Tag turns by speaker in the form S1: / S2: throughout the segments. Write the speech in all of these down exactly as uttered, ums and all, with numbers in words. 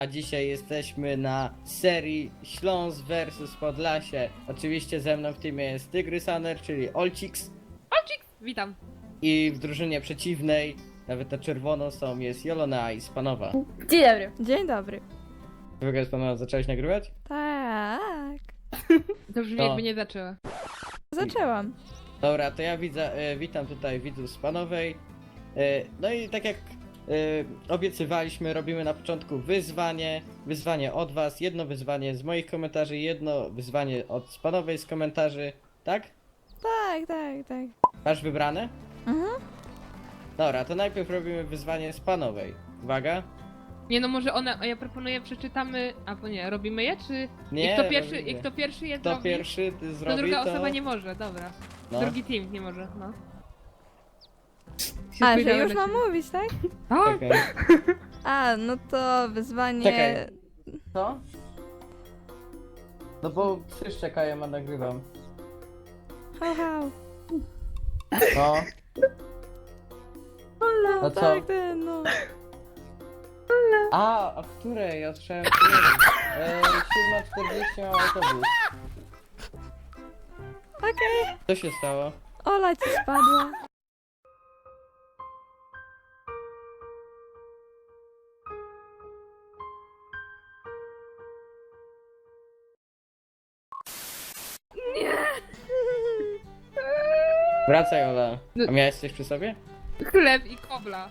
S1: A dzisiaj jesteśmy na serii Śląsk versus Podlasie. Oczywiście ze mną w teamie jest Tygrysaner, czyli Olciks.
S2: Olcik! Witam.
S1: I w drużynie przeciwnej, nawet na czerwono są, jest Jolona i Spanowa.
S3: Dzień dobry.
S4: Dzień dobry.
S1: W ogóle Spanowa, zaczęłaś nagrywać?
S4: Tak.
S2: To brzmi
S1: To.
S2: jakby nie zaczęła.
S4: Zaczęłam.
S1: Dobra, to ja widzę, e, witam tutaj widzów Spanowej. E, no i tak jak e, obiecywaliśmy, robimy na początku wyzwanie. Wyzwanie od was, jedno wyzwanie z moich komentarzy, jedno wyzwanie od Spanowej z komentarzy. Tak?
S4: Tak, tak, tak.
S1: Masz wybrane?
S4: Mhm.
S1: Dobra, to najpierw robimy wyzwanie Spanowej. Uwaga.
S2: Nie no, może one, a ja proponuję przeczytamy, a bo nie, robimy je, czy...
S1: Nie,
S2: I kto pierwszy,
S1: robimy.
S2: i kto pierwszy je
S1: Kto
S2: zrobi,
S1: pierwszy
S2: to
S1: zrobi,
S2: druga
S1: to...
S2: osoba nie może, dobra.
S1: No.
S2: Drugi team nie może, no.
S4: A, że
S2: spojrzałem
S4: już
S2: na
S4: mam
S2: ciebie.
S4: mówić, tak?
S2: Tak?
S1: Okej.
S4: A, no to wyzwanie...
S1: Czekaj. Co? No bo wszyscy czekają, a nagrywam.
S4: Hał, hał.
S1: No.
S4: No,
S1: No co?
S4: tak, ten, no.
S1: A, a w której? Ja słyszałem, że e, siódma czterdzieści mam autobus.
S4: Okej.
S1: Co się stało?
S4: Ola ci spadła.
S1: Wracaj, Ola. A miałeś coś przy sobie?
S2: Chleb i kobla.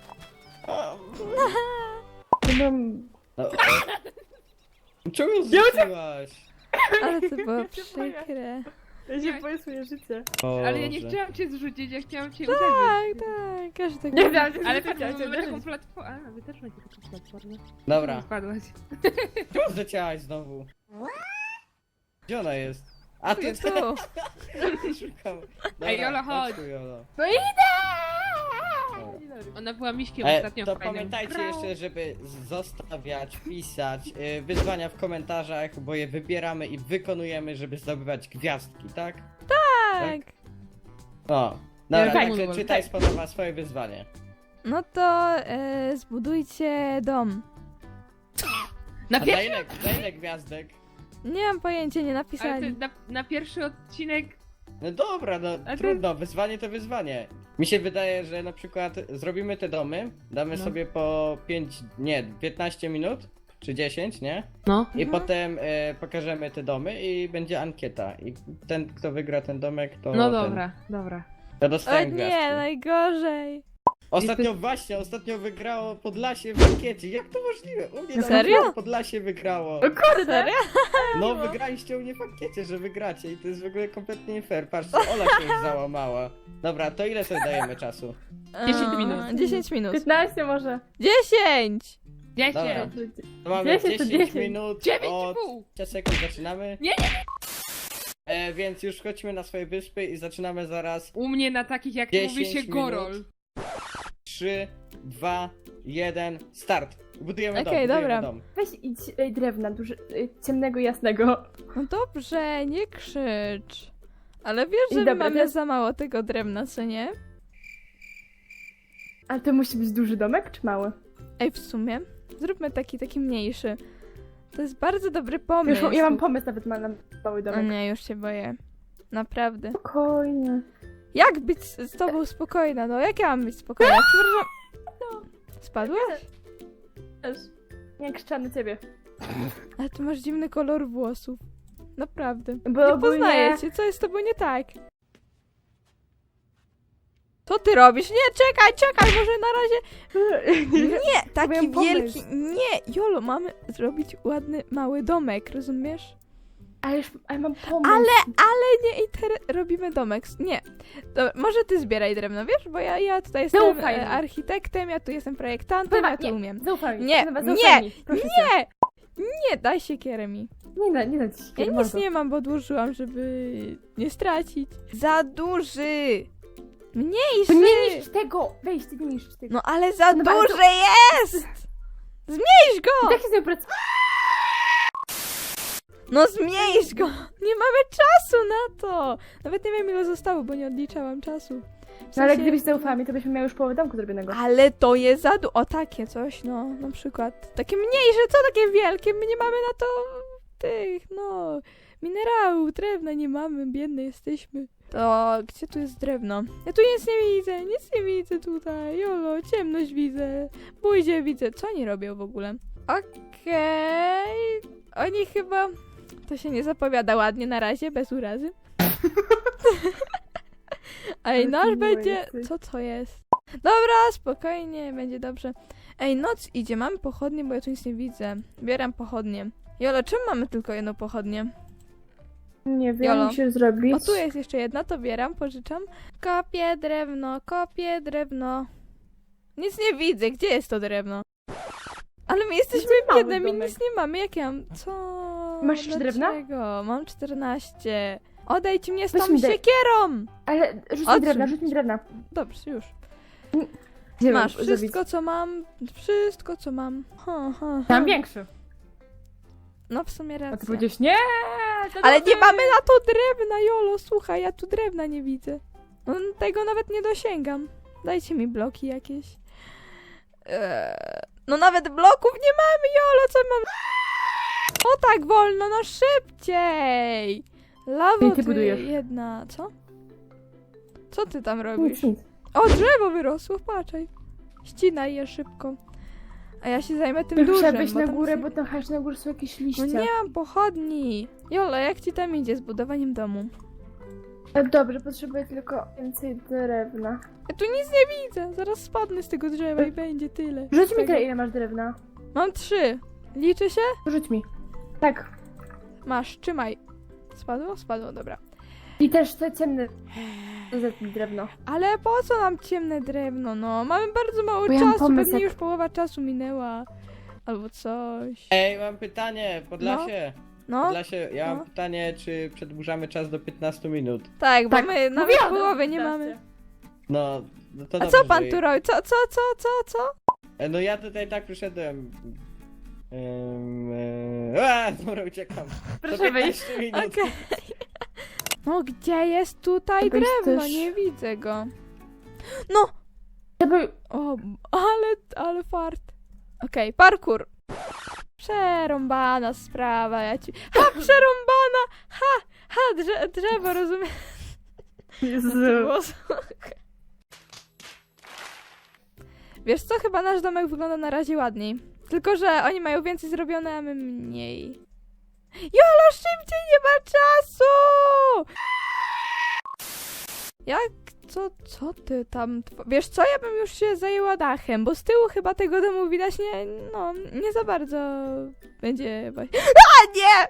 S3: Mam...
S1: No. Czemu zrzuciłaś?
S4: Ale to było przykre.
S3: Ja się boję swoje życie.
S2: Ale ja nie
S1: Boże.
S2: chciałam cię zrzucić, ja chciałam cię uderzyć.
S4: Tak, tak, każdy
S3: Nie wiem, że
S2: Ale
S3: chciałam
S2: tak,
S3: cię
S2: mamy taką
S3: uderzyć.
S2: platformę. A, wy też macie taką platformę.
S1: Dobra,
S2: Spadłaś.
S1: czemu zleciałaś znowu? Gdzie ona jest? A tu
S2: jest.
S4: Tu.
S1: szukam.
S2: Ej, Jola, chodź.
S1: tu, Jolo.
S3: No idę!
S1: Dobra.
S2: Ona była miśkiem
S1: E,
S2: ostatnio
S1: to
S2: w fajnym.
S1: pamiętajcie jeszcze, żeby zostawiać, pisać y, wyzwania w komentarzach, bo je wybieramy i wykonujemy, żeby zdobywać gwiazdki, tak?
S4: Tak.
S1: No. Dobra,
S2: Fajnie.
S1: także czytaj Spanowa swoje wyzwanie.
S4: No to e, zbudujcie dom.
S2: Na
S1: A dla
S2: pierwszy,
S1: ile, dla ile gwiazdek?
S4: Nie mam pojęcia, nie
S2: ale ty,
S4: napisali.
S2: na, na pierwszy odcinek.
S1: No dobra, no
S2: A ty-
S1: trudno, wyzwanie to wyzwanie. Mi się wydaje, że na przykład zrobimy te domy, damy
S2: No.
S1: sobie po pięć, nie, piętnaście minut, czy dziesięć, nie?
S2: No.
S1: I
S4: Mhm.
S1: potem e, pokażemy te domy i będzie ankieta. I ten, kto wygra ten domek, to
S2: No
S1: ten,
S2: dobra, dobra.
S1: to
S4: O
S1: dostaje
S4: nie,
S1: gwiazdkę.
S4: najgorzej.
S1: Ostatnio właśnie, ostatnio wygrało Podlasie w ankiecie. Jak to możliwe? U mnie na
S4: Serio?
S1: przykład Podlasie wygrało.
S3: O kurde!
S4: Serio?
S1: No wygraliście u mnie w ankiecie, że wygracie i to jest w ogóle kompletnie nie fair. Patrzcie, Ola się już załamała. Dobra, to ile sobie dajemy czasu?
S2: dziesięć
S4: E,
S2: minut.
S4: dziesięć minut.
S3: piętnaście może.
S4: dziesięć!
S2: Dziesięć.
S1: Dobra. To mamy
S3: dziesięć to
S1: dziesięć
S3: dziesięć.
S1: minut
S2: Dziewięć i
S1: od
S2: pół.
S1: pięć sekund zaczynamy.
S2: Nie, nie,
S1: E, więc już chodźmy na swoje wyspy i zaczynamy zaraz.
S2: U mnie na takich jak
S1: dziesięć
S2: mówi się
S1: minut.
S2: gorol.
S1: trzy, dwa, jeden, start. Budujemy dom,
S4: Okej,
S1: budujemy
S4: dobra.
S1: dom.
S3: Weź idź ej, drewna, duży, ej, ciemnego, jasnego.
S4: No dobrze, nie krzycz. Ale wiesz, że
S3: Dobra,
S4: mamy
S3: teraz-
S4: za mało tego drewna, co nie?
S3: Ale to musi być duży domek, czy mały?
S4: Ej, w sumie, zróbmy taki, taki mniejszy. To jest bardzo dobry
S3: Już,
S4: pomysł.
S3: mam- ja mam pomysł nawet ma na mały
S4: O
S3: domek.
S4: nie, już się boję. Naprawdę.
S3: Spokojnie.
S4: Jak być z, z tobą spokojna? No jak ja mam być spokojna? Przepraszam. No. Spadłaś?
S3: Też. Nie krzyczę na ciebie.
S4: Ale ty masz dziwny kolor włosów. Naprawdę.
S3: Bo
S4: Nie
S3: ogólnie-
S4: poznaję cię, co jest z tobą nie tak? Co ty robisz? Nie, czekaj, czekaj, może na razie... Nie, taki
S3: Miałam pomysł.
S4: wielki... Nie, Jolo, mamy zrobić ładny, mały domek, rozumiesz?
S3: Ale już, ale mam pomysł.
S4: Ale, ale nie inter... robimy domek. Nie. Dobra, może ty zbieraj drewno, wiesz? Bo ja, ja tutaj jestem
S3: Zaufaj mi.
S4: e, architektem, ja tu jestem projektantem, ja tu
S3: nie,
S4: umiem.
S3: Zaufaj mi.
S4: Nie,
S3: Chyba
S4: nie,
S3: zaufaj mi. Proszę cię.
S4: Nie! Nie, daj siekierę mi.
S3: Nie da, nie da ci
S4: Ja
S3: się.
S4: nic nie mam, bo odłożyłam, żeby nie stracić. Za duży!
S3: To
S4: Mniejszy!
S3: nie niszcz tego! Weź, ty nie niszcz tego.
S4: No ale za
S3: No, ale to-
S4: duży jest! Zmniejsz go!
S3: Tak się sobie pracuje.
S4: No zmniejsz go! Nie mamy czasu na to! Nawet nie wiem ile zostało, bo nie odliczałam czasu. W
S3: No ale
S4: sensie-
S3: gdybyś zaufała mi, to byśmy miały już połowę domku zrobionego.
S4: Ale to jest za du- O, takie coś, no, na przykład. Takie mniejsze, co takie wielkie? My nie mamy na to tych, no, minerałów, drewna nie mamy, biedne jesteśmy. To gdzie tu jest drewno? Ja tu nic nie widzę, nic nie widzę tutaj. Jolo, ciemność widzę. Buździe widzę. Co oni robią w ogóle? Okej. Oni chyba... To się nie zapowiada ładnie na razie, bez urazy. Ej,
S3: Ale
S4: nasz
S3: ty miła
S4: będzie...
S3: jesteś.
S4: Co to jest? Dobra, spokojnie, będzie dobrze. Ej, noc idzie, mamy pochodnie, bo ja tu nic nie widzę. Bieram pochodnie. Jolo, czemu mamy tylko jedną pochodnię?
S3: Nie wiem,
S4: Jolo.
S3: musisz zrobić.
S4: O, tu jest jeszcze jedna, to bieram, pożyczam. Kopię drewno, kopię drewno. Nic nie widzę, gdzie jest to drewno? Ale my jesteśmy
S3: mały
S4: biedne, my
S3: domek.
S4: nic nie mamy, jak ja mam? Co?
S3: Masz jeszcze drewna?
S4: Dlaczego? Mam czternaście. Odejdź mnie z
S3: Weź
S4: tą
S3: mi daj-
S4: siekierą!
S3: Ale rzuć mi
S4: Odsuń.
S3: drewna, rzuć mi drewna.
S4: Dobrze, już.
S3: Gdzie
S4: Masz
S3: mam
S4: wszystko,
S3: zrobić?
S4: co mam, wszystko, co mam. Ha, ha, ha.
S3: Tam większy.
S4: No w sumie
S3: A ty
S4: racja.
S3: powiedziałeś nie! to
S4: Ale
S3: dobre.
S4: nie mamy na to drewna, Jolo, słuchaj, ja tu drewna nie widzę. No, tego nawet nie dosięgam. Dajcie mi bloki jakieś. Eee, no nawet bloków nie mamy, Jolo, co mam... O tak wolno, no szybciej! Lawo
S3: I ty
S4: ty
S3: budujesz.
S4: jedna, co? Co ty tam robisz?
S3: Nic, nic.
S4: O, drzewo wyrosło, patrzaj. Ścinaj je szybko. A ja się zajmę tym
S3: Musiała
S4: dużym,
S3: wejść
S4: bo
S3: na
S4: tam
S3: górę,
S4: są-
S3: bo tam hasz na górze są jakieś liście.
S4: No nie mam pochodni. Jola, jak ci tam idzie z budowaniem domu?
S3: E, Dobrze, potrzebuję tylko więcej drewna.
S4: Ja tu nic nie widzę. Zaraz spadnę z tego drzewa i będzie tyle.
S3: Rzuć
S4: Z
S3: mi
S4: tego.
S3: tyle, ile masz drewna.
S4: Mam trzy. Liczy się?
S3: Rzuć mi. Tak.
S4: Masz, trzymaj. Spadło? Spadło, dobra.
S3: I też te ciemne zetnij drewno.
S4: Ale po co nam ciemne drewno, no? Mamy bardzo mało
S3: Bo ja mam
S4: czasu,
S3: pomysł,
S4: pewnie
S3: jak-
S4: już połowa czasu minęła. Albo coś.
S1: Ej, mam pytanie, Podlasie.
S4: No,
S1: Podlasie, ja mam
S4: no.
S1: pytanie, czy przedłużamy czas do piętnastu minut?
S4: tak, bo
S3: Tak,
S4: my nawet
S3: mówiłam,
S4: połowy
S3: że
S4: nie
S3: piętnaście.
S4: mamy.
S1: No, no to
S4: A
S1: dobrze,
S4: co pan
S1: że-
S4: tu robi? Co, co, co, co, co?
S1: E, No ja tutaj tak przyszedłem. Um, e... A, dobra, uciekam.
S3: Proszę
S1: To
S3: wyjść.
S1: piętnaście minut.
S4: Okej. No gdzie jest tutaj
S3: Weź
S4: drewno?
S3: też.
S4: Nie widzę go. No!
S3: Żeby...
S4: O, ale, ale fart. Okej, parkour. Przerąbana sprawa, ja ci... Ha, przerąbana! Ha, ha, drze drzewo, rozumiem.
S3: Jezu.
S4: Wiesz co, chyba nasz domek wygląda na razie ładniej. Tylko, że oni mają więcej zrobione, a my mniej. Jolo, szybciej, nie ma czasu! Jak, co, co ty tam... tw- Wiesz co, ja bym już się zajęła dachem, bo z tyłu chyba tego domu widać nie, no, nie za bardzo będzie właśnie... A, nie!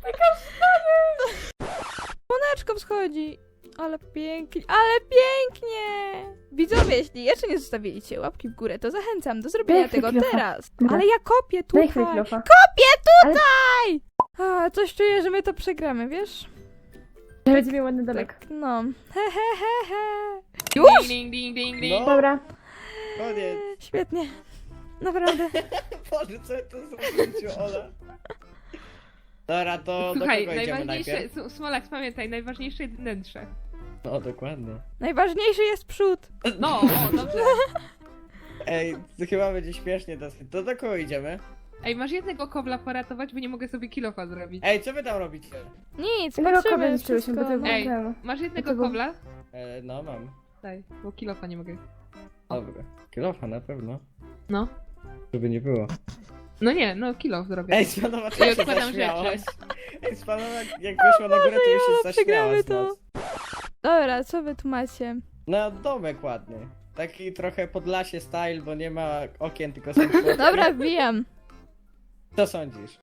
S4: Słoneczko wschodzi. Ale pięknie, ale pięknie! Widzowie, jeśli jeszcze nie zostawiliście łapki w górę, to zachęcam do zrobienia
S3: Daj
S4: tego
S3: chwilę,
S4: teraz.
S3: Dobra.
S4: Ale ja kopię
S3: Daj
S4: tutaj.
S3: chwilę kilofa.
S4: Kopię tutaj! A, coś czuję, że my to przegramy, wiesz?
S3: Ja będzie miał ładny domek.
S4: Tak, no. He, he, he, he.
S2: Ding, ding, ding, ding, ding.
S1: No,
S3: Dobra.
S1: koniec.
S4: Świetnie. Naprawdę.
S1: Boże, co to zrobić, Ola? Dobra, to
S2: Słuchaj,
S1: do kogo idziemy
S2: najważniejsze,
S1: najpierw?
S2: S- Smolak, pamiętaj, najważniejsze jest wnętrze.
S1: No, dokładnie.
S4: Najważniejszy jest przód.
S2: No, o, dobrze.
S1: Ej, to chyba będzie śmiesznie dosyć. To do kogo idziemy?
S2: Ej, masz jednego kobla poratować, bo nie mogę sobie kilofa zrobić.
S1: Ej, co wy tam robicie?
S4: Nic,
S3: Tego
S4: patrzymy
S3: kobra zniszczyłyśmy, bo
S4: wszystko.
S3: to
S2: Ej.
S3: był ten.
S2: Masz jednego
S3: Dlaczego?
S2: kobla?
S1: E, no, mam.
S2: Daj, bo kilofa nie mogę.
S1: Dobra. Kilofa na pewno.
S2: No.
S1: Żeby nie było.
S2: No nie, no kilof zrobię.
S1: Ej, Spanowa,
S2: I
S1: ty się
S2: odkładam
S1: zaśmiałaś.
S2: rzeczy.
S1: Ej, Spanowa, jak weszła na górę, to już
S4: Jolo,
S1: się zaśmiała
S4: przegramy
S1: z
S4: to.
S1: nas.
S4: Dobra, co wy tu macie?
S1: No, domek ładny. Taki trochę Podlasie style, bo nie ma okien, tylko są płotki.
S4: Dobra, wbijam.
S1: Co sądzisz?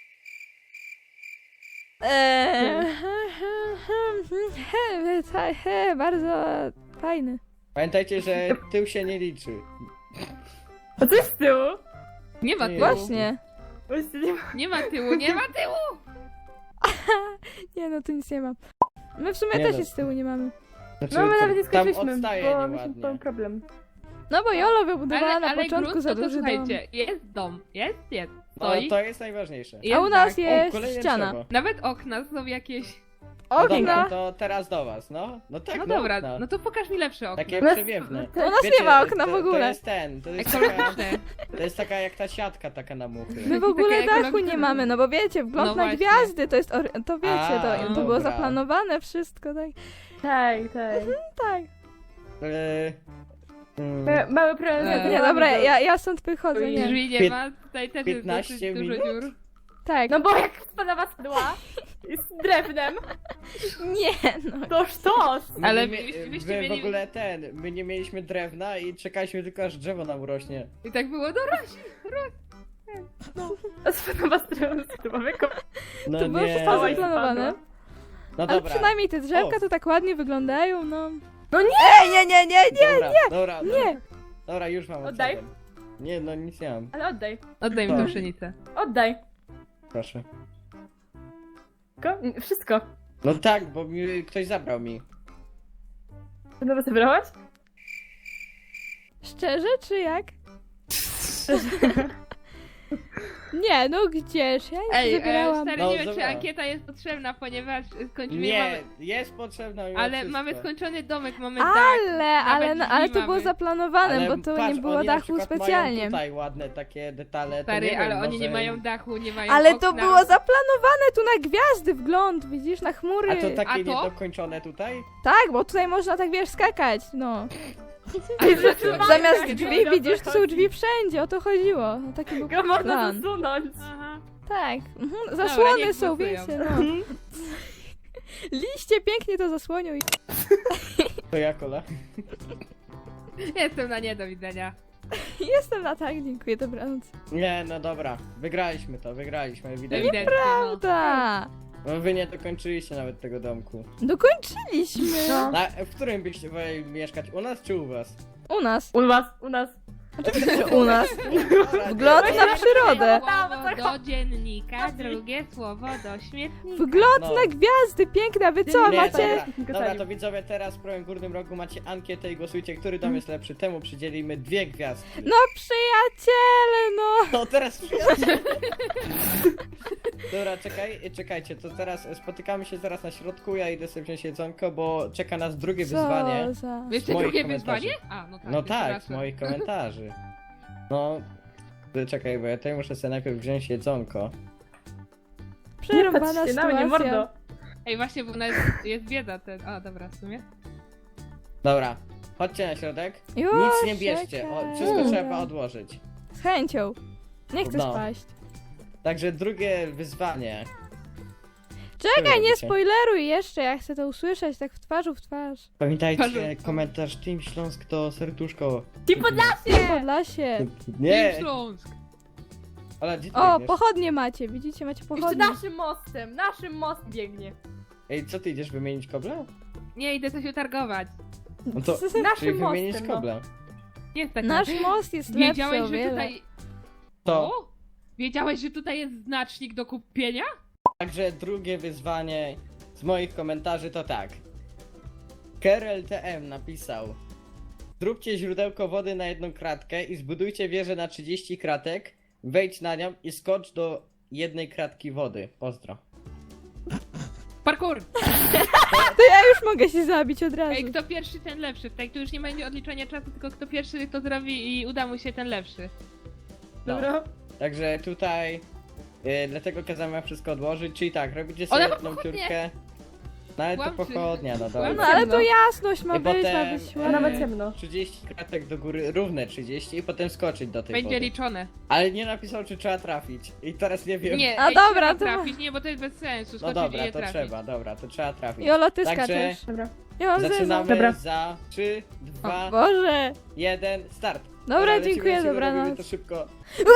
S4: Eee, he, he, he, bardzo fajny.
S1: Pamiętajcie, że tył się nie liczy.
S3: A co jest z tyłu?
S2: Nie ma
S1: Nie.
S2: tyłu.
S4: Właśnie.
S3: Właśnie nie ma.
S2: Nie ma tyłu, nie ma tyłu!
S4: Nie no, tu nic nie ma. My w sumie
S1: Nie
S4: też
S1: no.
S4: nic z tyłu nie mamy.
S1: Znaczy,
S3: No my nawet nie
S1: tam
S3: skończyliśmy,
S1: odstaje
S3: bo mieliśmy
S1: nieładnie.
S3: problem.
S4: No bo Jolo wybudowała
S2: Ale,
S4: na
S2: ale
S4: początku
S2: grunt,
S4: za
S2: to, to
S4: duży dom.
S2: słuchajcie, jest dom, jest, jest,
S1: No,
S2: stoi.
S1: to jest najważniejsze.
S2: jest
S4: A u nas
S2: tak.
S4: jest
S1: kolejne
S4: ściana.
S1: drzewo.
S2: Nawet okna są jakieś...
S1: No dobra,
S4: Okna.
S1: to teraz do was, no. No tak,
S2: No
S1: no,
S2: dobra,
S1: okna.
S2: no to pokaż mi lepsze okno.
S1: Takie
S3: No,
S1: przewiewne.
S3: to-
S4: U nas nie ma okna
S1: to,
S4: w ogóle.
S1: To jest ten, to jest taka,
S2: Ekologiczne.
S1: to jest taka jak ta siatka taka na muchy.
S4: My w ogóle
S2: Takie
S4: dachu
S2: ekologiczne.
S4: nie mamy, no bo wiecie, wgląd
S2: No
S4: na
S2: właśnie.
S4: gwiazdy, to jest, ory- to wiecie,
S1: A,
S4: to, to
S1: dobra.
S4: było zaplanowane wszystko, tak?
S3: Tak, tak.
S4: Tak.
S1: E, mm,
S3: Ma- Mały problem z
S2: Eee.
S4: Nie,
S3: wiatrami,
S4: dobra,
S3: to-
S4: ja, ja stąd wychodzę,
S2: I
S4: nie.
S2: drzwi nie
S1: Pięt-
S2: ma, tutaj też
S1: piętnaście
S2: jest dosyć dużo
S1: minut?
S2: dziur.
S4: Tak.
S3: No bo jak spadała spadła z drewnem,
S4: Nie, no.
S3: to sztos.
S1: my
S2: Ale
S1: nie mie-
S2: byście- byście
S1: wy w
S2: mieli-
S1: ogóle ten, my nie mieliśmy drewna i czekaliśmy tylko aż drzewo nam urośnie.
S2: I tak było, no rośnie.
S3: Spadała z drewnem, spadła
S1: No
S4: To było
S1: nie.
S4: wszystko
S3: Oj,
S4: zaplanowane.
S1: No
S4: Ale
S1: dobra.
S4: przynajmniej te drzewka
S1: O.
S4: to tak ładnie wyglądają, no.
S3: No nie!
S4: Ej, nie, nie, nie, nie!
S1: Dobra, dobra,
S4: nie.
S1: Dobra, już mam
S3: Oddaj.
S1: odsiadłem. Nie, no nic nie mam.
S3: Ale oddaj,
S2: Oddaj mi
S1: Tak.
S2: tą pszenicę.
S3: oddaj.
S1: Proszę.
S3: Wszystko? Wszystko.
S1: No tak, bo mi, ktoś zabrał mi.
S3: To nowe zabrałaś?
S4: Szczerze, czy jak? Nie, no gdzież? Ja nie
S2: Ej, e,
S4: zabierałam.
S2: stary,
S1: No,
S2: nie wiem, czy
S1: dobra.
S2: ankieta jest potrzebna, ponieważ skończymy,
S1: Nie,
S2: mamy,
S1: jest potrzebna mimo
S2: ale
S1: wszystko.
S2: mamy skończony domek, mamy dach.
S4: Ale, ale, no, ale to
S2: drzwi
S4: było
S2: mamy.
S4: zaplanowane,
S1: Ale
S4: bo to
S1: patrz,
S4: nie było
S1: oni na
S4: dachu
S1: przykład
S4: specjalnie.
S1: Mają tutaj ładne takie detale. to
S2: Stary,
S1: nie
S2: ale
S1: wiem,
S2: oni
S1: może...
S2: nie mają dachu, nie mają
S4: Ale
S2: okna.
S4: to było zaplanowane tu na gwiazdy wgląd, widzisz, na chmury.
S1: A to takie
S2: A to?
S1: niedokończone tutaj?
S4: Tak, bo tutaj można tak wiesz skakać, no.
S2: Ale
S4: Zamiast
S3: tak,
S4: drzwi
S3: dobra,
S4: widzisz, to są
S3: chodzi.
S4: drzwi wszędzie, o to chodziło. No, taki był
S3: Go można
S4: plan.
S3: zasunąć.
S2: Aha.
S4: Tak, mhm. zasłony
S2: niech
S4: są,
S2: głosują.
S4: wiecie, no. Liście pięknie to zasłonią i...
S1: To ja kola.
S2: Jestem na nie, do widzenia.
S4: Jestem na tak, dziękuję, dobranoc.
S1: Nie, no dobra. Wygraliśmy to, wygraliśmy, ewidentnie.
S2: Ewidentnie, no.
S4: Da.
S1: No wy nie dokończyliście nawet tego domku.
S4: Dokończyliśmy.
S3: No.
S1: Na, w którym byście woleli mieszkać? U nas czy u was?
S4: U nas.
S3: U was, u nas.
S4: Oczywiście u nas.
S1: Dobra,
S4: Wgląd
S1: nie-
S4: na przyrodę.
S2: Słowo do dziennika, drugie słowo do śmietnika.
S4: Wgląd
S1: No.
S4: na gwiazdy, piękne, a wy co,
S1: Nie,
S4: macie...
S1: Dobra, dobra, to widzowie, teraz w prawym górnym rogu macie ankietę i głosujcie, który dom jest lepszy. Temu przydzielimy dwie gwiazdki.
S4: No przyjaciele, no.
S1: No teraz przyjaciół. Dobra, czekaj, czekajcie, to teraz spotykamy się zaraz na środku, ja idę sobie wziąć jedzonko, bo czeka nas drugie wyzwanie.
S4: Co za...
S2: Jeszcze
S1: moich
S2: drugie
S1: komentarzy.
S2: wyzwanie? A, no tak.
S1: No tak, z
S2: przepraszam.
S1: moich komentarzy. No, ty czekaj, bo ja tutaj muszę sobie najpierw wziąć jedzonko.
S4: Przerąbana
S3: Nie patrzcie na mnie,
S4: sytuacja.
S3: mordo.
S2: Ej, właśnie, bo u nas jest bieda ten. A, dobra, w sumie.
S1: Dobra, chodźcie na środek.
S4: Już,
S1: Nic nie bierzcie, o,
S4: czekaj.
S1: wszystko
S4: Dobra.
S1: trzeba odłożyć.
S4: Z chęcią. Nie chcę
S1: No.
S4: spaść.
S1: Także drugie wyzwanie.
S4: Czekaj, nie
S1: robicie?
S4: spoileruj jeszcze, ja chcę to usłyszeć tak w twarzu w twarz.
S1: Pamiętajcie,
S2: Patrz-
S1: komentarz Team Śląsk to serduszko.
S3: Ci Podlasie!
S4: Podlasie.
S1: Nie,
S2: Team Śląsk.
S1: ale gdzie ty
S4: O,
S1: idziesz?
S4: pochodnie macie, widzicie, macie
S3: Jeszcze
S4: pochodnie.
S3: naszym mostem, naszym most biegnie.
S1: Ej, co ty idziesz wymienić kobla?
S2: Nie, idę coś utargować.
S1: No to, czyli
S3: Naszym
S1: wymienić
S3: mostem, no.
S1: kobla.
S2: Nie tak.
S4: Nasz most jest lepszy
S2: Wiedziałeś,
S4: o
S2: że
S4: wiele.
S2: tutaj...
S1: To.
S2: O? Wiedziałeś, że tutaj jest znacznik do kupienia?
S1: Także drugie wyzwanie z moich komentarzy to tak. Kerel T M napisał: zróbcie źródełko wody na jedną kratkę i zbudujcie wieżę na trzydzieści kratek, wejdź na nią i skocz do jednej kratki wody. Pozdro.
S2: Parkour!
S4: To ja już mogę się zabić od razu.
S2: Ej, kto pierwszy, ten lepszy. Tutaj tu już nie będzie odliczania czasu, tylko kto pierwszy to zrobi i uda mu się, ten lepszy.
S1: No.
S3: Dobra.
S1: Także tutaj y, dlatego kazałem wam wszystko odłożyć, czyli tak, robicie sobie
S2: Ona ma
S1: jedną
S2: pochodnie.
S1: dziurkę. Nawet to
S2: Kłamczy.
S1: pochodnia, no
S4: No
S1: dobra.
S4: ale to jasność ma
S1: I
S4: być, ma
S1: potem,
S4: być
S1: e,
S3: A
S4: ładnie.
S3: nawet ciemno.
S1: trzydzieści kratek do góry, równe trzydzieści i potem skoczyć do tej
S2: Będzie
S1: wody.
S2: liczone.
S1: Ale nie napisał, czy trzeba trafić. I teraz nie wiem.
S2: Nie,
S4: A
S2: ej,
S4: dobra,
S2: trzeba
S4: to-
S2: trafić, nie, bo to jest bez sensu.
S1: No
S2: Skoczyć i
S1: dobra,
S2: je
S1: to
S2: trafić.
S1: trzeba, dobra, to trzeba trafić.
S4: Jolo, ty
S1: Także
S4: skaczesz.
S3: Dobra.
S4: Ja mam zezam.
S1: zaczynamy
S3: Dobra.
S1: za trzy,
S4: O
S1: dwa,
S4: Boże.
S1: jeden, start.
S4: Dobra,
S1: lecimy,
S4: dziękuję,
S1: lecimy, robimy
S4: dobranoc.
S1: to szybko.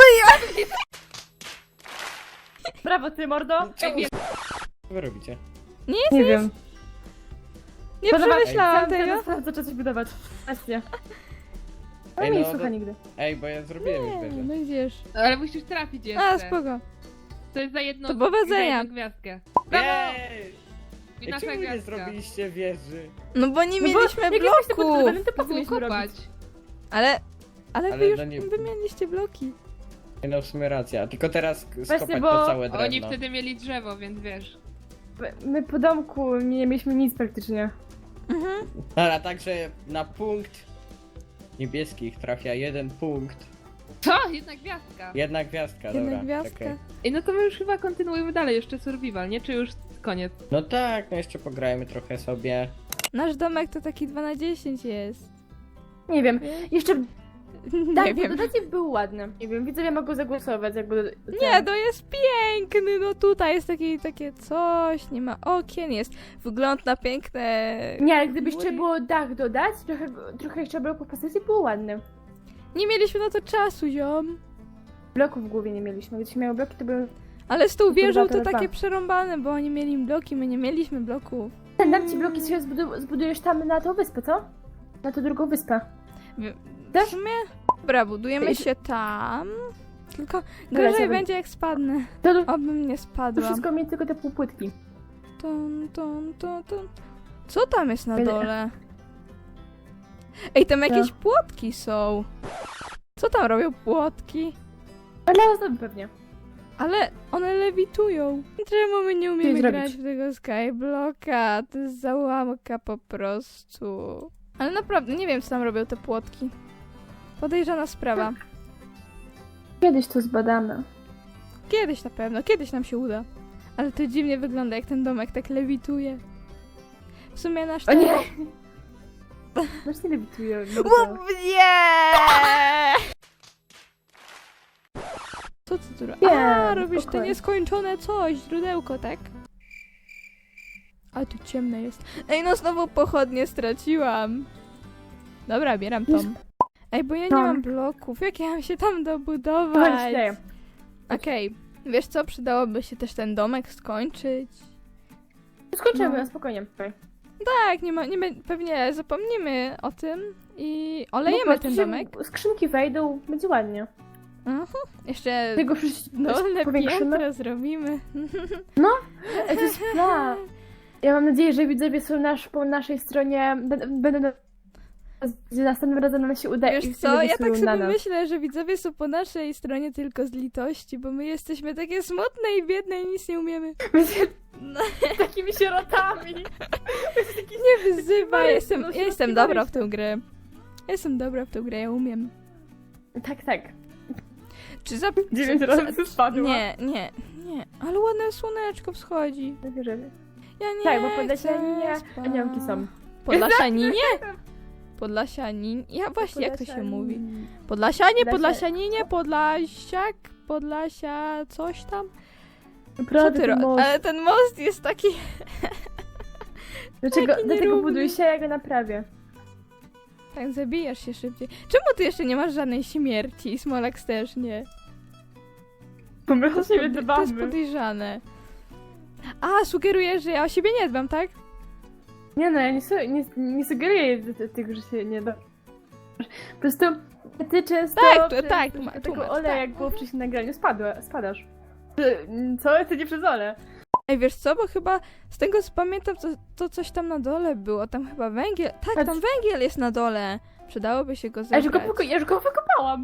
S3: Brawo ty, mordo.
S1: Czemu
S2: Ej,
S1: co wy robicie?
S3: Nie wiem.
S4: Nie przemyślałam tego.
S3: Sprawdzę, czy coś budować. Właśnie. Ale
S1: Ej,
S3: mnie
S1: no,
S3: nie słucha
S1: to-
S3: nigdy.
S1: Ej, bo ja zrobiłem już
S4: Nie,
S1: wieżę.
S4: no gdzież.
S2: Ale musisz trafić jeszcze.
S4: A, spoko.
S2: To jest za jedno.
S4: To powodzenia.
S2: za jedną gwiazdkę. Brawo!
S1: Jej!
S2: I
S1: Ej,
S2: nasza
S1: czemu nie
S2: gwiazdka.
S1: zrobiliście wieży?
S4: No bo nie
S3: No bo
S4: mieliśmy
S3: jak jesteście
S4: bloku.
S3: podbudowani, to po
S2: To
S3: co
S2: było
S3: mieliśmy
S2: kopać.
S3: robić?
S4: Ale... Ale wy
S1: Ale
S4: już
S1: no nie-
S4: wymieniliście bloki.
S1: Ej, no w sumie racja, tylko teraz sk-
S3: Właśnie,
S1: skopać
S3: bo
S1: to całe drewno.
S2: Oni wtedy mieli drzewo, więc wiesz.
S3: my po domku nie mieliśmy nic praktycznie.
S4: Mhm.
S1: Dobra, także na punkt niebieskich trafia jeden punkt.
S2: Co? Jedna gwiazdka.
S1: Jedna gwiazdka,
S4: Jedna
S1: dobra.
S4: gwiazdka.
S1: czekaj.
S2: Ej, no to my już chyba kontynuujemy dalej, jeszcze survival, nie? Czy już koniec?
S1: No tak, no jeszcze pograjmy trochę sobie.
S4: Nasz domek to taki dwa na dziesięć jest.
S3: Nie wiem, jeszcze
S4: Nie
S3: tak,
S4: wiem.
S3: dodatek był ładny. Nie wiem, widzowie mogą zagłosować, jakby...
S4: Nie, to jest piękny, no tutaj jest taki, takie coś, nie ma okien, jest wgląd na piękne...
S3: Nie, ale gdyby jeszcze
S4: góry.
S3: było dach dodać, trochę, trochę jeszcze bloków postaci było ładne.
S4: Nie mieliśmy na to czasu, ziom.
S3: Bloków w głowie nie mieliśmy, gdybyśmy miały bloki, to były...
S4: Ale z tą wieżą to
S3: Kurwa, to
S4: takie
S3: dwa.
S4: przerąbane, bo oni mieli bloki, my nie mieliśmy bloków.
S3: Dam ci bloki, sobie zbudu- zbudujesz tam na tą wyspę, co? Na tą drugą wyspę.
S4: W
S3: Tak?
S4: w sumie? Dobra, budujemy
S3: Ej,
S4: się tam. Tylko
S3: Dobra,
S4: gorzej
S3: co
S4: będzie jak spadnę.
S3: To, to,
S4: Obym nie
S3: to
S4: spadłam.
S3: wszystko mieć tylko te półpłytki.
S4: Tun, tun, tun, tun. Co tam jest na
S3: Będę-
S4: dole? Ej, tam jakieś płotki są. Co tam robią płotki?
S3: Ale ozdoby pewnie.
S4: Ale one lewitują. Czemu my nie umiemy
S3: zrobić?
S4: grać w tego Skyblocka? To jest załamka po prostu. Ale naprawdę, nie wiem co tam robią te płotki. Podejrzana sprawa.
S3: Kiedyś to zbadamy.
S4: Kiedyś na pewno, kiedyś nam się uda. Ale to dziwnie wygląda, jak ten domek tak lewituje. W sumie nasz
S3: O nie!
S4: dom-
S3: Masz nie lewituje.
S4: Łup, nie! Co ty tu robisz?
S3: Nie,
S4: A, robisz te
S3: spokojnie.
S4: nieskończone coś, źródełko, tak? A tu ciemne jest. Ej, no znowu pochodnie straciłam. Dobra, bieram tą. Ej, bo ja nie
S3: Tam.
S4: mam bloków. Jak ja mam się tam
S3: Chodź,
S4: dobudować?
S3: daję.
S4: Okej, wiesz co? Przydałoby się też ten domek skończyć.
S3: Skończymy,
S4: No.
S3: spokojnie.
S4: Tak, nie ma, nie, be- pewnie zapomnimy o tym i olejemy
S3: No,
S4: ten
S3: się
S4: domek.
S3: Skrzynki wejdą, będzie ładnie.
S4: Mhm. Jeszcze
S3: Tego wszyscy
S4: dolne
S3: powiększymy.
S4: piętro zrobimy.
S3: Ej, to jest plan. Ja mam nadzieję, że widzowie są nasz, po naszej stronie. b- Będą na- że następnym razem nam się uda i
S4: Wiesz
S3: sobie
S4: co, ja
S3: głosują
S4: tak
S3: na
S4: sobie
S3: nas.
S4: myślę, że widzowie są po naszej stronie tylko z litości, bo my jesteśmy takie smutne i biedne i nic nie umiemy. No,
S3: Takimi sierotami.
S4: nie wyzywaj,
S3: Taki
S4: jestem,
S3: no,
S4: ja jestem dobra w tę grę. Ja jestem dobra w tę grę, ja umiem.
S3: Tak, tak.
S4: Czy za...
S3: Dziewięć
S4: co-
S3: razy
S4: co-
S3: spadła.
S4: Nie, nie, nie, ale ładne słoneczko wschodzi.
S3: Wierzymy.
S4: Ja nie
S3: Tak, bo
S4: chcę
S3: Podlasianinie
S4: spać.
S3: aniołki są.
S4: Podlasianinie? Podlasianin... Ja właśnie, jak to się mówi? Podlasianie,
S3: Podlasia-
S4: Podlasianinie, Podlasiak, Podlasia, coś tam? Co
S3: Naprawdę
S4: ty
S3: ten
S4: ro...
S3: most.
S4: Ale ten most jest taki...
S3: Dlaczego,
S4: taki
S3: dlatego
S4: nierówny.
S3: buduj się, ja go naprawię.
S4: Tak, zabijasz się szybciej. Czemu ty jeszcze nie masz żadnej śmierci i Smolax też nie?
S3: Bo my
S4: To jest, pod... to jest podejrzane. A, sugerujesz, że ja o siebie nie dbam, tak?
S3: Nie no, ja nie, su- nie, nie sugeruję ty- ty- tego, że się nie da. Po prostu ty często
S4: Tak, to-
S3: przez
S4: tak,
S3: tego
S4: tłumacz, tłumacz,
S3: oleja,
S4: tak.
S3: jak było wcześniej nagraniu, spadła, spadasz. Co? To nie przez ole.
S4: Ej, wiesz co, bo chyba z tego co pamiętam, to, to coś tam na dole było. Tam chyba węgiel... Tak,
S3: Patrz.
S4: tam węgiel jest na dole. Przydałoby się go
S3: Ja już, go
S4: zebrać.
S3: poko- ja już go wykopałam.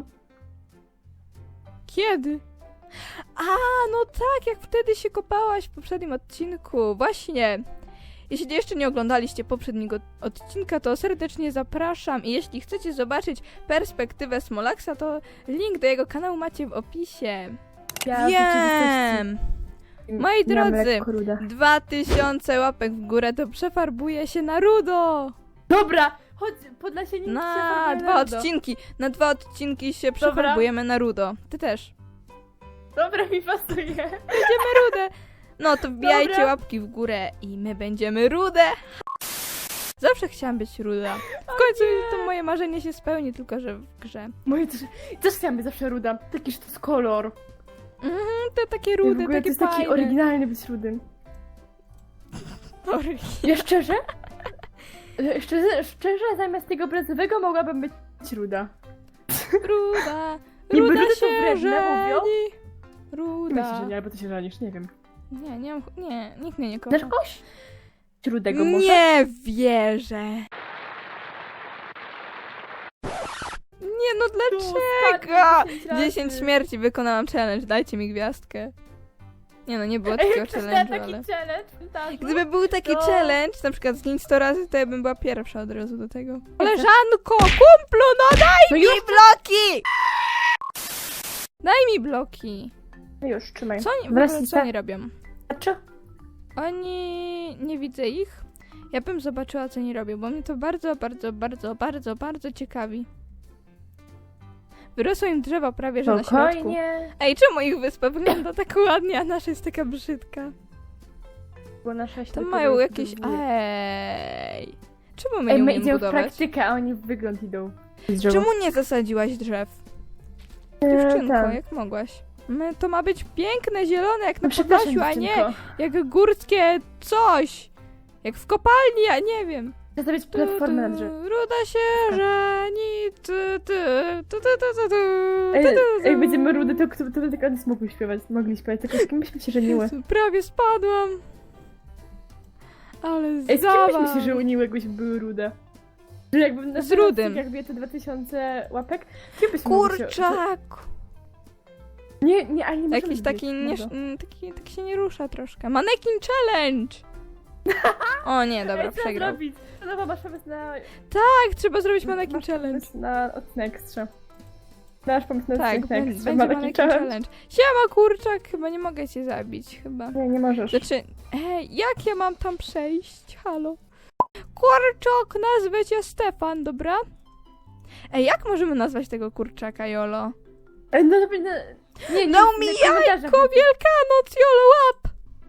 S4: Kiedy? A, no tak, jak wtedy się kopałaś w poprzednim odcinku. Właśnie. Jeśli jeszcze nie oglądaliście poprzedniego odcinka, to serdecznie zapraszam i jeśli chcecie zobaczyć perspektywę Smolaxa, to link do jego kanału macie w opisie.
S3: Ja w
S4: Wiem!
S3: rzeczywistości
S4: Moi
S3: miałam
S4: drodzy,
S3: lekko ruda.
S4: dwa tysiące łapek w górę to przefarbuje się na rudo!
S3: Dobra, chodź, Podlasianin
S4: Na dwa odcinki, na dwa odcinki się
S3: Dobra.
S4: przefarbujemy na rudo. Ty też.
S3: Dobra, mi pasuje.
S4: Będziemy rude. No to wbijajcie
S3: Dobra.
S4: łapki w górę i my będziemy rude. Zawsze chciałam być ruda. W końcu to moje marzenie się spełni, tylko że w grze.
S3: Moje też, też chciałam być zawsze ruda. Taki, że to jest kolor.
S4: Mhm, to takie
S3: I w
S4: rude,
S3: ogóle to
S4: takie
S3: jest taki
S4: fajne.
S3: oryginalny być rudym.
S4: Sorry.
S3: Ja szczerze? e, Szczerze, szczerze, zamiast tego brązowego mogłabym być ruda.
S4: Ruda,
S3: Niby
S4: ruda
S3: ludzie to
S4: się
S3: wredne mówią.
S4: żeni.
S3: Myślisz,
S4: Ruda.
S3: że nie, albo ty się żenisz, nie wiem.
S4: Nie, nie, mam, nie, nikt mnie nie kocha.
S3: Znasz kogoś? Rudego może?
S4: Nie wierzę. Nie no, dlaczego?
S3: spadł dziesięć razy.
S4: dziesięć śmierci, wykonałam challenge, dajcie mi gwiazdkę. Nie no, nie było
S3: Ej,
S4: takiego
S3: ktoś miał
S4: challenge'u,
S3: taki
S4: ale...
S3: challenge w montażu?
S4: Gdyby był taki
S3: to-
S4: challenge, na przykład zgiń sto razy, to ja bym była pierwsza od razu do tego. Koleżanko, kumplu, no daj
S3: No
S4: mi
S3: już-
S4: bloki! Daj mi bloki.
S3: No już, trzymaj.
S4: Co oni, w
S3: Wraz
S4: ogóle,
S3: z
S4: co oni robią?
S3: tarczy?
S4: Oni... nie widzę ich. Ja bym zobaczyła, co oni robią, bo mnie to bardzo, bardzo, bardzo, bardzo, bardzo ciekawi. Wyrosło im drzewo prawie, że na środku.
S3: Spokojnie.
S4: Ej, czemu ich wyspa wygląda tak ładnie, a nasza jest taka brzydka?
S3: Bo nasza
S4: To
S3: ślepy
S4: mają
S3: jest
S4: jakieś...
S3: buduje.
S4: Ej... Czemu my
S3: Ej,
S4: nie
S3: my
S4: umiemy
S3: idziemy w
S4: budować?
S3: praktykę, a oni w wygląd idą.
S4: Czemu nie zasadziłaś drzew?
S3: Eee,
S4: Dziewczynko,
S3: tak.
S4: jak mogłaś? My, to ma być piękne, zielone, jak na
S3: No przepraszam,
S4: Podlasiu, a nie
S3: dziewczynko.
S4: jak górskie coś. Jak w kopalni, a nie wiem.
S3: Chcę zrobić
S4: Tu,
S3: platformę na
S4: tu,
S3: drzewie.
S4: Ruda się żeni, ty, ty, ty, ty, ty, ty, ty,
S3: Ej,
S4: ty, ty,
S3: ej,
S4: ty.
S3: będziemy rudy, to, to, to, to tylko one mogły śpiewać, mogli śpiewać, tylko z kim byśmy się żeniły?
S4: Jezu, prawie spadłam. Ale
S3: Ej, z kim
S4: zabaw.
S3: byśmy się żeniły, jakbyśmy były rude? Że jakby na
S4: Z rudym.
S3: Jak bije te dwa tysiące łapek, kim byśmy mogli się...
S4: Kurczak.
S3: Nie, nie, ale nie możemy
S4: Jakiś taki,
S3: zbić,
S4: nie,
S3: mordo.
S4: mm, taki, tak się nie rusza troszkę. Manekin challenge. O nie, dobra,
S3: Ej, co
S4: przegrał.
S3: zrobić? No masz pomysł na...
S4: Tak, trzeba zrobić manekin
S3: masz
S4: challenge.
S3: pomysł na odcinek ekstra. Masz pomysł na
S4: Tak,
S3: odcinek
S4: będzie,
S3: ekstra,
S4: będzie
S3: manekin
S4: manekin
S3: challenge?
S4: challenge. Siema kurczak, chyba nie mogę cię zabić, chyba.
S3: Nie, nie możesz.
S4: Znaczy, ej, jak ja mam tam przejść? Halo? Kurczak, nazwę cię Stefan, dobra? Ej, jak możemy nazwać tego kurczaka, Jolo?
S3: Ej, no, no, nie, nie,
S4: Dał
S3: nie,
S4: mi
S3: w komentarzach
S4: jajko, Wielkanoc, Jolo, łap!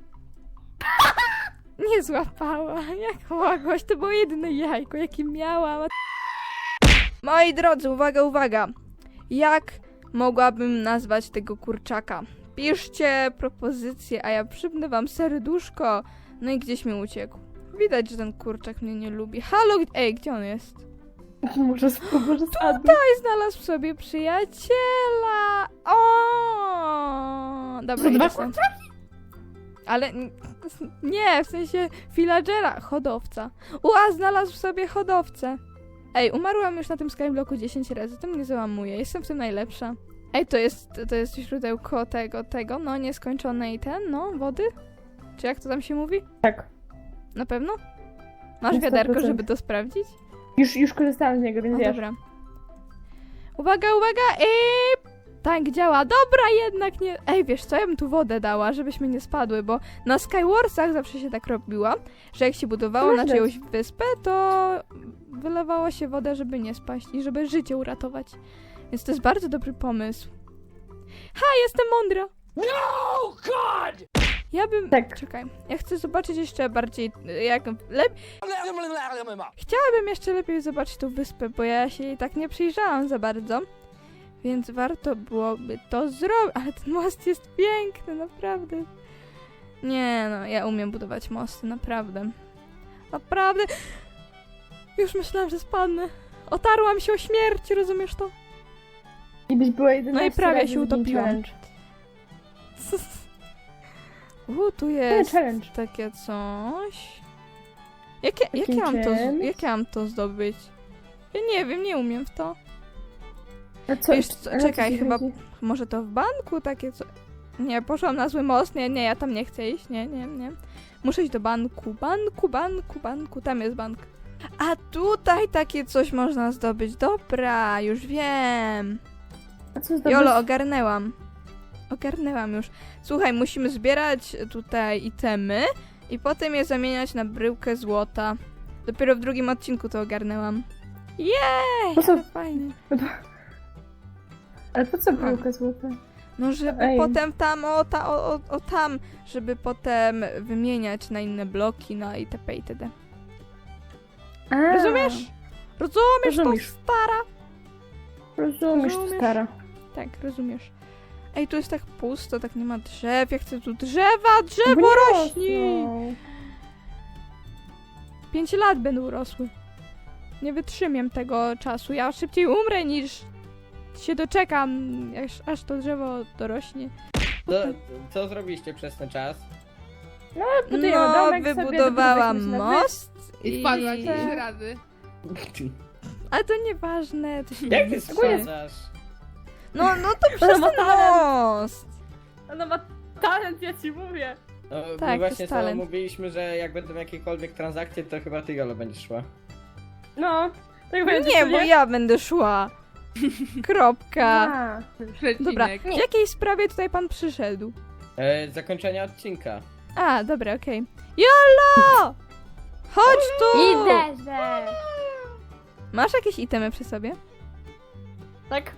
S4: Nie złapała, jak mogłaś, to było jedyne jajko, jakie miałam. Moi drodzy, uwaga, uwaga. Jak mogłabym nazwać tego kurczaka? Piszcie propozycje, a ja przypnę wam serduszko. No i gdzieś mi uciekł. Widać, że ten kurczak mnie nie lubi. Halo, g- ej, gdzie on jest?
S3: Może, może spadnę.
S4: Tutaj znalazł sobie przyjaciela. O! Dobra,
S3: To dwa
S4: idę stąd. Ale n- nie, w sensie villagera, hodowca. Ua, znalazł sobie hodowcę. Ej, umarłam już na tym skyblocku dziesięć razy, to mnie załamuje, jestem w tym najlepsza. Ej, to jest, to jest źródełko tego, tego, no nieskończonej ten, no, wody? Czy jak to tam się mówi?
S3: Tak.
S4: Na pewno? Masz
S3: Na sto
S4: wiaderko,
S3: procent.
S4: żeby to sprawdzić?
S3: Już, już korzystałam z niego, więc
S4: No
S3: wiesz.
S4: dobra. Uwaga, uwaga! I tak działa. Dobra, jednak nie. Ej, wiesz co, ja bym tu wodę dała, żebyśmy nie spadły, bo na Skywarsach zawsze się tak robiła, że jak się budowało na
S3: Możesz.
S4: czyjąś wyspę, to wylewało się wodę, żeby nie spaść i żeby życie uratować. Więc to jest bardzo dobry pomysł. Ha, jestem mądra!
S5: No, God!
S4: Ja bym...
S3: Tak.
S4: Czekaj, ja chcę zobaczyć jeszcze bardziej, jak... Lep... Chciałabym jeszcze lepiej zobaczyć tą wyspę, bo ja się jej tak nie przyjrzałam za bardzo. Więc warto byłoby to zrobić. Ale ten most jest piękny, naprawdę. Nie no, ja umiem budować mosty, naprawdę. Naprawdę. Już myślałam, że spadnę. Otarłam się o śmierć, rozumiesz to?
S3: I byś była jedyna
S4: No i prawie się utopiłam. U, tu jest
S3: challenge.
S4: takie coś. Jakie, jak,
S3: Takim
S4: ja mam to, z-
S3: czymś?
S4: jak ja mam to zdobyć? Ja nie wiem, nie umiem w to.
S3: A co,
S4: Wiesz co,
S3: ale co
S4: czekaj,
S3: ci
S4: chyba-
S3: chodzi?
S4: Może to w banku takie co... Nie, poszłam na zły most. Nie, nie, ja tam nie chcę iść. Nie, nie, nie. Muszę iść do banku. Banku, banku, banku. Tam jest bank. A tutaj takie coś można zdobyć. Dobra, już wiem.
S3: A co zdobyć?
S4: Jolo, ogarnęłam. Ogarnęłam już. Słuchaj, musimy zbierać tutaj itemy i potem je zamieniać na bryłkę złota. Dopiero w drugim odcinku to ogarnęłam. Jej!
S3: Po co?
S4: Fajnie.
S3: Ale po co bryłka złota?
S4: No, żeby
S3: Ej.
S4: potem tam, o, ta, o, o, o tam, żeby potem wymieniać na inne bloki, na itp. itd.
S3: A,
S4: Rozumiesz? Rozumiesz
S3: Rozumiesz.
S4: to, stara?
S3: Rozumiesz, to
S4: Rozumiesz?
S3: stara.
S4: Tak, rozumiesz. Ej, tu jest tak pusto, tak nie ma drzew, ja chcę tu drzewa,
S3: Bo
S4: drzewo
S3: nie
S4: rośnie!
S3: rosną.
S4: Pięć lat będą rosły. Nie wytrzymiem tego czasu, ja szybciej umrę niż się doczekam, aż, aż to drzewo dorośnie.
S1: To, co zrobiliście przez ten czas?
S3: Budujemy
S4: No,
S3: domek sobie,
S4: wybudowałam
S3: doprowadziliśmy się na
S4: most
S2: I
S4: i...
S2: wpadła ci trzy razy.
S4: Ale to nieważne, to się
S1: Jak
S4: nie
S1: ty
S4: liczy.
S1: sprawdzasz?
S4: No, no to przez
S3: ma
S4: ten
S3: talent.
S4: most!
S3: Ona ma Talent, ja ci mówię.
S1: No,
S4: Tak,
S1: my
S4: to
S1: właśnie
S4: jest
S1: sama
S4: talent.
S1: mówiliśmy, że jak będą jakiekolwiek transakcje, to chyba ty, Jolo, będziesz szła.
S3: No, tak będzie.
S4: Nie,
S3: co
S4: bo ja będę szła. Kropka.
S3: A.
S2: Przecinek.
S4: Dobra, w jakiej sprawie tutaj pan przyszedł?
S1: E, zakończenia odcinka.
S4: A, dobra, okej. Jolo! Chodź tu!
S3: Idę, że...
S4: Masz jakieś itemy przy sobie?
S3: Tak.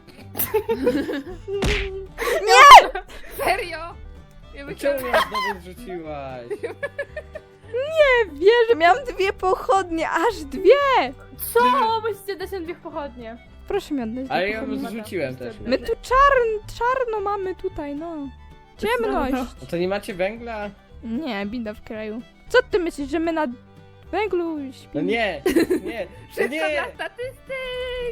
S2: Serio? Ja myślałam,
S1: Czemu mnie znowu zrzuciłaś?
S4: Nie wierzę, miałam dwie pochodnie, aż dwie!
S3: Co? Musicie dać nam dwie pochodnie.
S4: Proszę mi oddać
S1: Ale
S4: dwie
S1: ja ją
S4: pochodnie.
S1: zrzuciłem też.
S4: My tu czarn, czarno mamy tutaj, no. Ciemność.
S1: No to nie macie węgla?
S4: Nie, bida w kraju. Co ty myślisz, że my na węglu śpimy?
S1: No nie, nie, no
S2: wszystko
S1: nie!
S2: dla statystyk!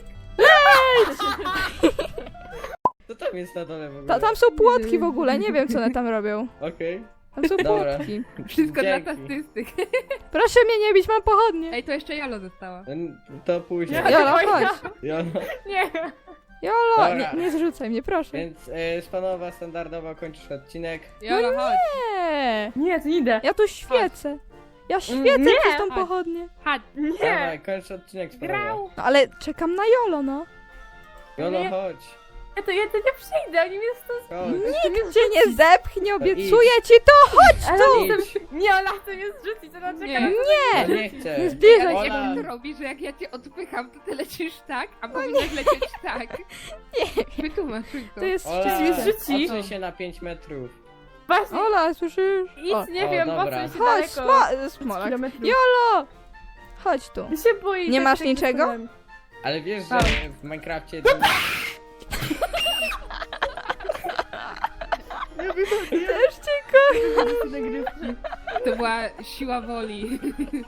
S1: Co tam jest na dole w ogóle?
S4: Ta, tam są płotki w ogóle, nie wiem co one tam robią.
S1: Okej.
S4: Tam są
S1: Dobra.
S4: płotki.
S2: Wszystko dla
S1: Dzięki.
S2: statystyk.
S4: Proszę mnie nie bić, mam pochodnie.
S2: Ej, to jeszcze Jolo została.
S1: N- To później.
S3: Ja-
S4: Jolo, chodź.
S1: Jolo.
S3: Nie.
S4: Jolo,
S1: Dobra.
S4: nie, nie zrzucaj mnie, proszę.
S1: Więc e, Spanowa standardowo kończysz odcinek.
S2: Jolo, chodź.
S4: Nie,
S3: Nie, to nie idę.
S4: ja tu świecę. Ja świecę
S3: Nie.
S4: przez tą
S2: Chodź.
S4: pochodnię.
S2: Chodź.
S1: Dawaj,
S3: Nie.
S1: kończ odcinek Spanowa.
S2: Grał.
S4: No ale czekam na Jolo, no.
S1: Jolo,
S3: Nie.
S1: chodź.
S3: Ja to, ja to nie przyjdę, oni mnie stąd...
S1: Chodź.
S4: Nikt cię nie zepchnie,
S1: No
S4: obiecuję ci to.
S3: Ale
S1: Idź.
S3: chcę... Nie, ona chce mnie zrzucić, ona czeka
S2: Nie.
S3: na...
S1: No
S4: Nie,
S1: nie chcę.
S4: nie zbliżaj
S2: Ale
S4: się
S1: Ola.
S4: do
S2: jak
S4: mnie.
S2: to robisz, że jak ja cię odpycham, to ty lecisz tak, a powinnaś lecieć tak. Nie Wytłumacz mi to.
S4: To jest
S1: Ola,
S4: szczęście.
S3: zrzuci.
S1: odsuń się na pięć metrów.
S3: Właśnie,
S4: Ola, słyszysz?
S3: idź,
S4: O,
S3: nie
S1: o,
S3: wiem,
S1: dobra.
S3: po co się
S4: chodź,
S3: daleko.
S4: smo smolak.
S3: kilometrów.
S4: Jolo! Chodź tu.
S3: Ja się boję.
S4: Nie
S3: tak
S4: masz
S3: tak
S4: niczego?
S3: wykonałem.
S1: Ale wiesz, że
S3: Tam.
S1: w Minecrafcie... To...
S4: Też cię kocham.
S3: Nagrywki.
S2: To była siła woli.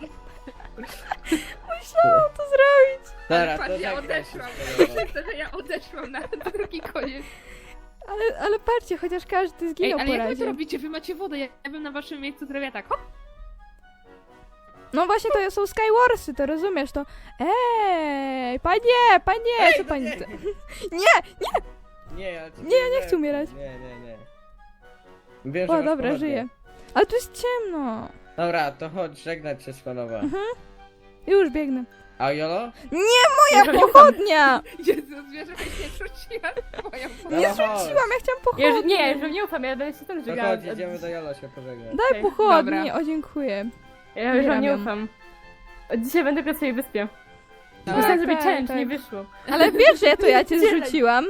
S4: Musiałam to zrobić.
S1: Dobra,
S2: Patrz,
S1: to
S2: ja
S1: żegnaj się
S2: odeszłam.
S1: Spanowa.
S2: Przez to, że ja odeszłam na drugi koniec.
S4: Ale, ale patrzcie, chociaż każdy
S2: Ej,
S4: zginął
S2: ale
S4: po
S2: jak wy to
S4: razie.
S2: robicie? Wy macie wodę, ja ja bym na waszym miejscu zrobiła tak, hop.
S4: No właśnie, to są Skywarsy, to rozumiesz to. Ej, panie, panie, co pani...
S1: nie.
S4: chce? Nie,
S1: Nie, ja ci
S4: Nie, ja nie chcę umierać.
S1: Nie, nie, nie. Wiem, że
S4: o
S1: masz
S4: dobra,
S1: pochodnie.
S4: żyję. Ale tu jest ciemno.
S1: Dobra, to chodź, żegnać się Spanowa.
S4: Już biegnę.
S1: A Jolo?
S4: Moja pochodnia!
S2: Jezus, wiesz, żebyś nie rzuciła moją wodę.
S4: Nie
S1: No chodź.
S4: zrzuciłam, ja chciałam
S3: Ja już,
S4: pochodnie.
S3: nie, już nie ufam, ja będę się tam
S1: To
S3: żegnała.
S1: chodź, jedziemy do Jolo się pożegnać.
S4: Daj
S3: Okej,
S4: pochodnie,
S2: dobra.
S4: o dziękuję.
S3: Ja już wam nie
S4: Zbieram ją.
S3: ufam. Od dzisiaj będę na swojej wyspie.
S2: Tak,
S3: Myślałam, żeby
S4: tak,
S3: challenge
S4: tak.
S3: nie wyszło.
S4: Ale wiesz, że ja to ja cię
S3: Dzielę.
S4: zrzuciłam.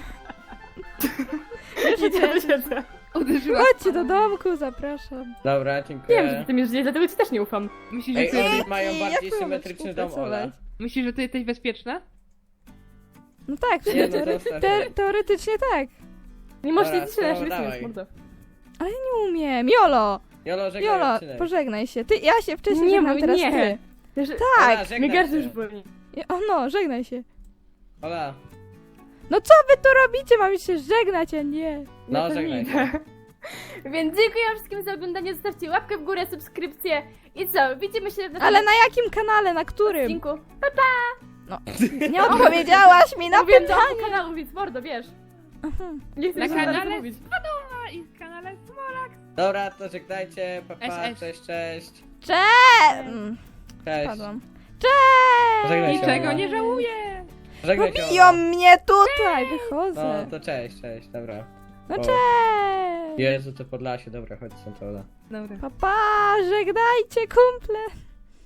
S3: Siedzę, siedzę.
S2: Uderzyła.
S4: Chodźcie do domku, zapraszam.
S1: Dobra, dziękuję.
S3: Wiem, że ty mi żyjesz, dlatego ci też nie ufam.
S2: Myślisz, że
S1: Ej,
S2: ty,
S1: oni mają
S4: jak
S1: bardziej
S4: mamy
S1: symetryczny dom, Ola.
S4: współpracować?
S2: myślisz, że ty jesteś bezpieczna?
S4: No tak, w
S1: Nie,
S4: sumie
S1: no to
S4: teore
S1: ostatnie.
S4: te teoretycznie tak.
S3: Nie możesz
S1: Dobra,
S3: liczyć na nasz
S1: to
S3: rytm,
S1: dawaj.
S3: mordo.
S4: Ale nie umiem. Jolo!
S1: Jolo, żegnaj
S4: Jolo,
S1: odcinek.
S4: pożegnaj się. Ty, ja się wcześniej
S3: Nie,
S4: żegnam,
S3: mój-
S4: teraz
S3: nie.
S4: ty.
S3: Wiesz,
S4: Tak!
S1: Ola, żegnaj
S3: mnie gardło
S1: się.
S3: już boli.
S4: O no, żegnaj się.
S1: Ola,
S4: No co wy tu robicie? Mamy się żegnać, a nie.
S1: no
S3: Ja to
S1: żegnaj
S3: nie
S1: się.
S3: idę. Więc dziękuję wszystkim za oglądanie, zostawcie łapkę w górę, subskrypcję i co, widzimy się w następnym
S4: Ale na jakim kanale? Na którym?
S3: odcinku.
S4: Nie odpowiedziałaś mi na
S3: Mówiłem do
S4: pytanie.
S3: kanału, więc mordo, wiesz.
S4: Aha.
S3: Nie chcę
S2: Na
S3: mi się
S2: kanale
S3: bardzo mówić.
S2: A i w kanale Smolak.
S1: Dobra, to żegnajcie, pa, pa,
S2: Es, es.
S1: cześć, cześć.
S4: Cześć! Mm,
S1: Cześć.
S4: Spadłam. Cześć!
S1: Żegnaj się,
S2: Niczego
S1: Ola.
S2: nie żałuję.
S1: Żegnaj się,
S4: Biją
S1: Ola.
S4: mnie tutaj,
S1: No
S4: wychodzę.
S1: to cześć, cześć, dobra.
S4: No
S1: O.
S4: cześć!
S1: Jezu, to Podlasie, dobra, chodź stąd, Ola.
S2: Dobra.
S4: Pa, pa, żegnajcie kumple!